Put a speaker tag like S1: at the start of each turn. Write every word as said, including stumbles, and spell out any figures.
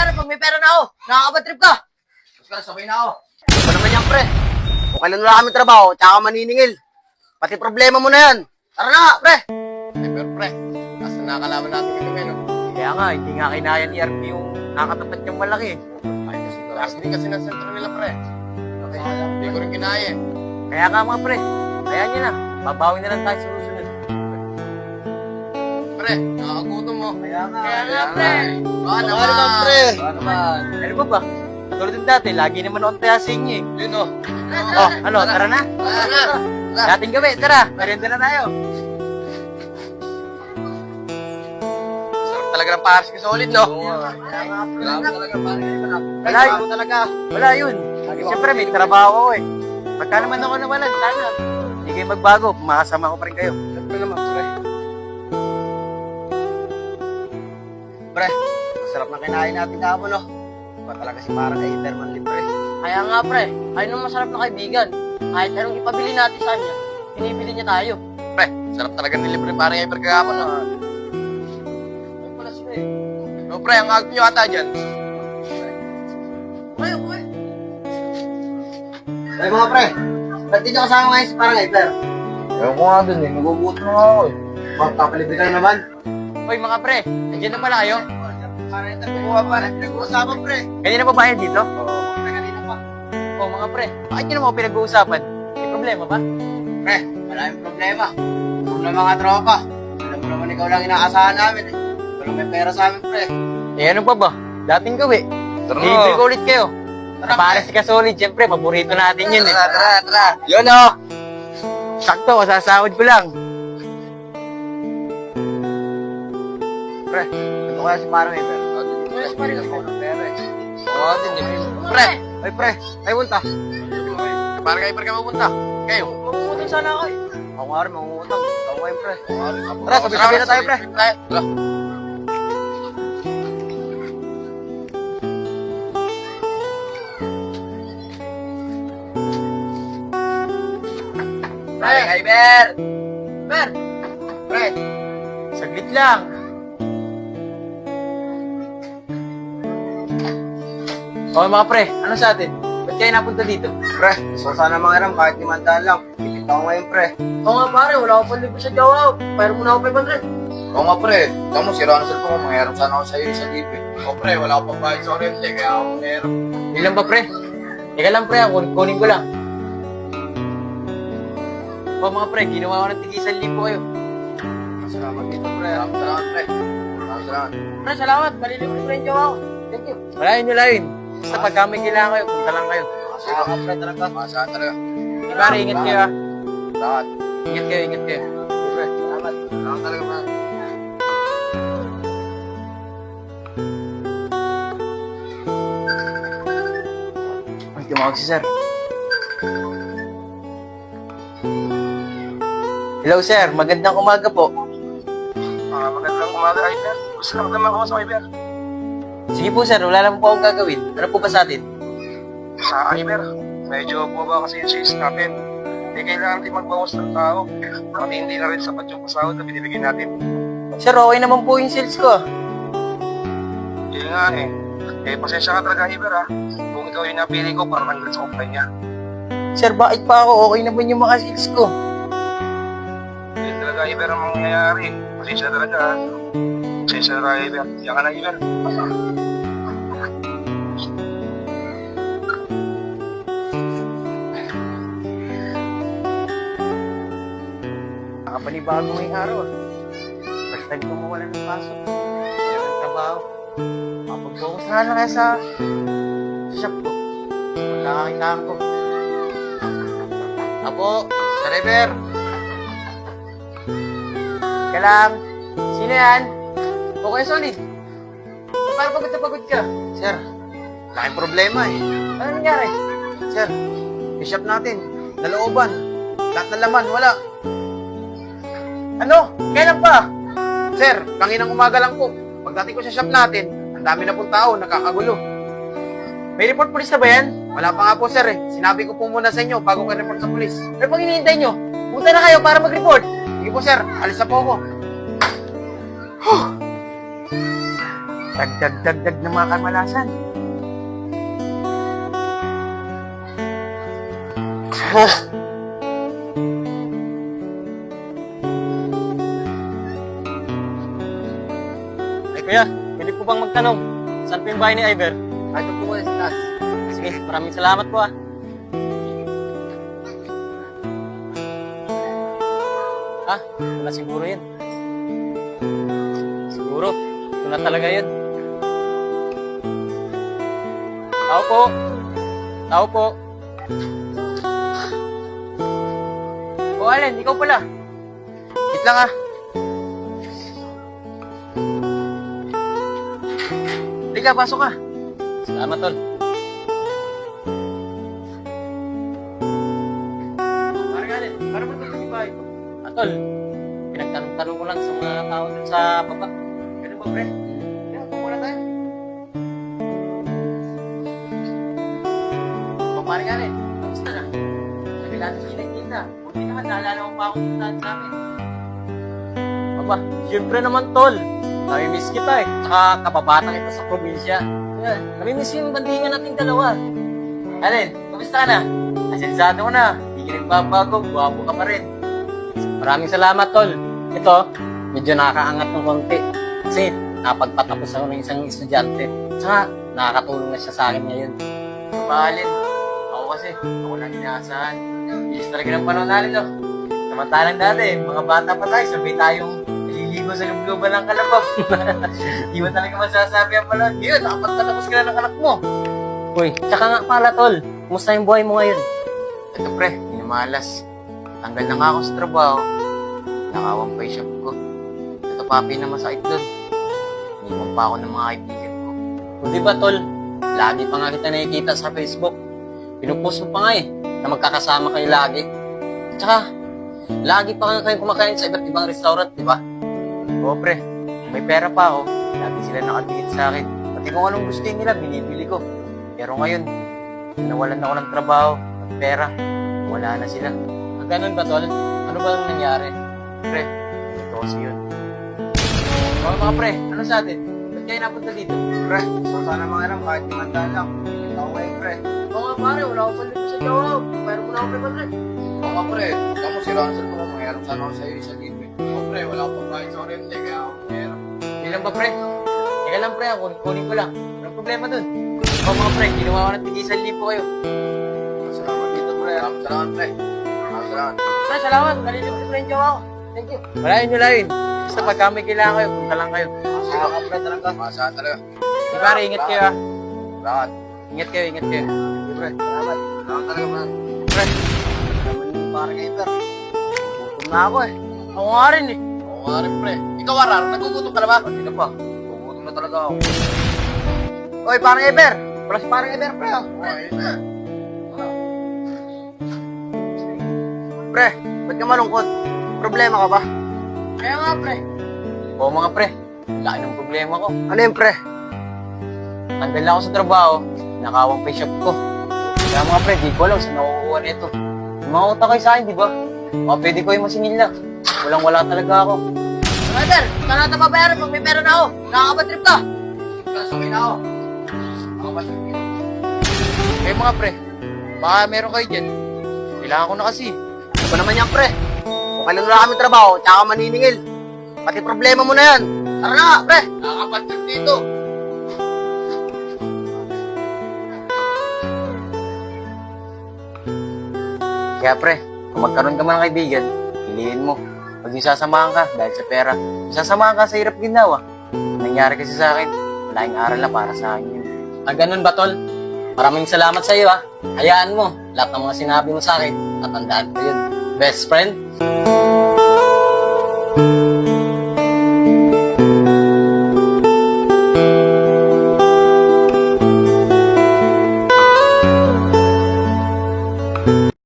S1: pera pag may pera na ako. Nakakabatrip ka. Tapos ka, sabay na ako. Ano naman yan, pre? Kung kailan wala kami trabaho, tsaka maniningil. Pati problema mo na yan. Tara na nga, pre.
S2: Ay, pero pre, asa nakakalaban natin kami ngayon.
S1: Kaya nga, hindi nga kinaya ni R P yung nakatapat niyang malaki.
S2: Ay, kasi taas din kasi ng sentro nila, pre. Okay, hindi ko rin kinaya eh.
S1: Kaya nga mga pre, kaya niya na. Babawi na lang tayo sa susunod.
S2: Pre, nakakagutom mo.
S1: Kaya nga.
S2: Kaya nga, pre. Baka
S1: Ano
S2: naman.
S1: naman, pre?
S2: Baka naman.
S1: Ano ba ba? Katulad ng dati, lagi naman akong taya sa inyo eh.
S2: Yun o.
S1: Oh, ano, tara na.
S2: Tara na.
S1: Dating gabi, tara. Merienda na tayo.
S2: Sarap talaga ng pares ka solid, no?
S1: Kaya nga, pre.
S2: Grabe talaga, pares ka.
S1: Wala yun talaga. Wala yun. Siyempre, may trabaho ako eh. Pagka naman ako nawalan, sana. Hindi kayo magbago, makasama ko pa rin kayo.
S2: Siyempre naman, pre.
S1: Pre, sarap na kinain natin kahapon, no? Ba talaga si parang kay Iberman libre.
S3: Kaya nga pre, ayun ang masarap na kaibigan. Kahit anong ipabili natin sa kanya, pinibili niya tayo.
S2: Pre, sarap talaga nilibre parang Iber kagapon, no?
S3: Ay pala sila eh.
S2: No, pre, ang agad nyo ata dyan.
S3: Uy, uy!
S1: Ay mga pre, ba't di nyo kasama ngayon si parang Iber?
S2: Ewan ko nga dun eh, nagugutom na ako eh.
S1: Magpapalibre ka na naman.
S3: Uy mga pre, nandiyan na pala kayo?
S1: Para ito, kumuha pa rin. Pinag-uusapan pre.
S3: Kanina ba bayan dito?
S1: Oo, pre, kanina pa.
S3: Oh mga pre, bakit nyo naman ako pinag-uusapan? May problema ba?
S1: Pre, maraming problema. Puro na mga tropa. Alam mo naman ikaw lang inaasahan namin eh. Ito lang may pera sa amin pre.
S3: Eh ano pa ba? Dating gawi.
S2: Tara
S3: Libre ko ulit kayo.
S1: Tara,
S3: Para si Kasolid, siyempre, paborito natin yun eh.
S2: Tara, tara, tara.
S3: Yun oh! Sakto, kasasahod ko lang.
S1: Pre, ito kaya si parang Iber.
S2: Yes,
S1: Pare lang ako ng pera eh.
S2: Oo, din eh. Pre,
S1: Ay pre, ay punta.
S2: parang kay Iber ka mapunta. Kayo.
S3: Mamumutang sana ako eh.
S1: Ako nga rin, mangungutang. Ako ngayon pre.
S2: Tara,
S1: Tara, sabi-sabi na tayo, pre.
S2: Tara.
S1: Pre, Iber!
S3: Ber,
S2: Pre,
S3: saglit lang. Oh mga pre, ano sa atin? Ba't kayo napunta dito?
S1: Pre, gusto ko sana mangiram kahit limandaan lang. Pipit ako ngayon pre.
S3: Oo nga pare, wala akong panlibre sa Jawa. Pero muna ako five hundred.
S2: oo nga pre. Tama mo, sira ang cellphone ko. Mangyarap sana ako sa'yo sa libre. Oo pre, wala akong pambayad sa oriente. Kaya ako mangyarap.
S3: Hindi lang ba pre? Teka lang pre, ako kunin ko lang. O mga pre, ginawa ko ng tigisan libo kayo.
S2: Salamat dito pre. Salamat, salamat pre. Salamat, salamat.
S3: Pre, salamat. Malilibre ko rin yung Jawa ko. Thank you. Wala yun, wala yun. Basta pagka may kailangan kayo, punta lang kayo.
S2: Salamat pre talaga. Salamat talaga.
S3: Di pare, ingat kayo ha.
S2: Salamat.
S3: Ingat kayo, ingat kayo.
S2: Pre, salamat. Salamat talaga pre.
S3: Ay, tumawag si sir. Hello sir, magandang umaga po.
S2: Ah, magandang umaga, Iber. Gusto lang naman ako sa Iber.
S3: Sige po sir, wala lang po akong gagawin. Ano po ba sa atin?
S2: Sa Iber, medyo po ba kasi yung sales natin? Hindi kailangan din magbawas ng tao. Pati hindi na rin sapat yung pasahod na binibigyan natin.
S3: Sir, okay naman po yung sales ko.
S2: Yun nga eh. Eh, pasensya ka talaga, Iber ha. Kung ikaw yung napili ko para nandun sa kumpanya.
S3: Sir, bakit pa ako? Okay naman yung mga sales ko.
S2: Yun talaga, Iber, ang mangyayari. Pasensya talaga ha. Pasensya talaga, Iber. Yan ka na, Iber.
S3: Nakapanibago ngayong araw ah. First time ko mawala ng pasok. Wala ng trabaho. Makapag-focus na lang kaya sa, sa shop ko. Magkakakitaan ko.
S2: Apo, Sir Iber.
S3: Ka lang. Sino yan? Okay, solid. So, parang pagod na pagod ka.
S1: Sir, laking problema eh.
S3: Ano nangyari?
S1: Sir, yung shop natin, nalooban. Lahat ng laman, wala.
S3: Ano? Kailan pa?
S1: Sir, kanginang umaga lang po. Pagdating ko sa shop natin, ang dami na pong tao, nakakagulo.
S3: May report police na ba yan?
S1: Wala pa nga po sir eh. Sinabi ko po muna sa inyo bago ka report sa polis.
S3: Ano pang hinihintay nyo? Punta na kayo para mag-report.
S1: Sige po sir, alis na po ako.
S3: Dagdag-dagdag ng mga kamalasan.
S4: Ay kuya, pwede po bang magtanong? Saan po yung bahay ni Iver?
S1: Ito po kayo sa taas.
S4: Sige, maraming salamat po ah. Ah, wala siguro yun. Siguro, ito na talaga yun. Tao po. Tao po. O Allen, ikaw pala.
S3: Wait lang ah. Halika, pasok ka.
S4: Salamat, tol.
S3: Parang Allen, parang mo ito ba ito?
S4: Ah, tol, pinagtanong-tanong ko lang sa mga tao dun sa baba.
S3: Ganun ba, pre? Kaya, pumula tayo. O, parang Allen, kamusta na? Sabi natin siya nagkita. Buti naman, naalala mo pa akong puntahan sa amin.
S4: Aba, siyempre naman, tol. Nami-miss kita eh. Tsaka kababata kita sa probinsya. Yeah, nami-miss yung bandingan nating dalawa.
S3: Allen, kamusta ka na? Asensado ko na. Hindi ka nagbabago, guwapo ka pa rin.
S4: Maraming salamat, tol. Ito, medyo nakakaangat ng konti. Kasi napagpatapos ako ng isang estudyante. Tsaka nakakatulong na siya sa akin ngayon.
S3: Allen, ako kasi, ako lang inaasahan. Bilis talaga ng panahon natin, no? Samantalang dati, mga bata pa tayo, sabay tayong naliligo sa lubluban ng kalabaw. Di ba talaga masasabi ang panahon? Yun, nakapagtatapos ka na ng anak mo.
S4: Uy, tsaka nga pala, tol. Kumusta yung buhay mo ngayon?
S3: Ito pre, minamalas. Tanggal na nga ako sa trabaho. Nakawang pa yung shop ko. Ito papi na masakit doon. Iniwan pa ako ng mga kaibigan ko.
S4: O di ba, tol? Lagi pa nga kita nakikita sa Facebook. Pinupost mo pa nga eh, na magkakasama kayo lagi. Tsaka, lagi pa nga kayo kumakain sa iba't ibang restaurant, di ba?
S3: Oo pre, kung may pera pa ako, lagi sila nakatingin sa akin. Pati kung anong gusto nila, binibili ko. Pero ngayon, nawalan ako ng trabaho at pera. Wala na sila.
S4: Ah, ganun ba, tol? Ano ba ang nangyari?
S3: Pre, ito kasi yun. Oo mga pre, ano sa atin? Ba't kayo napunta dito? Pre, so sana mga alam kahit limandaan lang. Hindi ako kayo pre.
S1: Oo nga pare, wala akong palit sa jawa. Pero mo na ako pre. Oo nga pre, ikaw mo si Ronald ko. Mayroon sana ako sa'yo sa libre. Oo pre, wala akong pagkain sa oriente. Kaya ako meron.
S3: Hindi lang ba pre? Teka lang pre, ako kunin ko lang. Anong problema dun? Oo mga pre, ginawa ko ng tigisan lipo kayo.
S1: Salamat dito pre. Salamat salamat pre. Salamat salamat.
S3: Pre, salamat. Nalilibre pre yung jawa ko. Thank you. Wala yun nyo yun. Basta pagka may kailangan kayo, punta lang kayo.
S1: Salamat pre talaga. Masahan talaga.
S3: Di pare, ingat kayo ah.
S1: Salamat.
S3: Ingat kayo, ingat kayo.
S1: Hindi pre. Salamat. Salamat talaga man.
S3: Pre,
S1: Naman yung parang Iber. Gutom na ako eh.
S3: ako nga rin eh.
S1: Oo nga rin pre. Ikaw Arar, nagugutom ka na ba? Hindi na pa. Nagugutom na talaga ako. Oy, parang Iber. Wala si parang Iber pre oh. Oo, Iber. Pre, ba't ka malungkot? Problema ka ba?
S3: Kaya nga pre. Oo mga pre, laki ng problema ko.
S1: Ano yun pre?
S3: Tanggal na ako sa trabaho, nakawang pa yung shop ko. Kaya mga pre, di ko alam saan nakukuha nito. Yung mga utang kayo sa akin, di ba? Mga pwede ko yung masingil na. Walang wala talaga ako.
S1: Brother, saan natin mabayaran pag may pera na ako? Nakakabatrip ka. Kasawin na ako. Nakakabatrip ka.
S3: Kaya mga pre, baka meron kayo dyan. Kailangan ko na kasi.
S1: Ano ba naman yan pre? Kung kailan wala kami trabaho, tsaka maniningil. Pati problema mo na yan. Tara na nga pre. Nakakabatrip dito.
S3: Kaya pre, kung magkaroon ka man ng kaibigan, piliin mo. Pag yung sasamahan ka dahil sa pera, yung sasamahan ka sa hirap ginawa. Nangyari kasi sa akin, malaking aral na para sa akin yun.
S4: Ah, ganun ba, tol? Maraming salamat sa iyo ah. Hayaan mo, lahat ng mga sinabi mo sa akin, tatandaan ko yun. Best friend?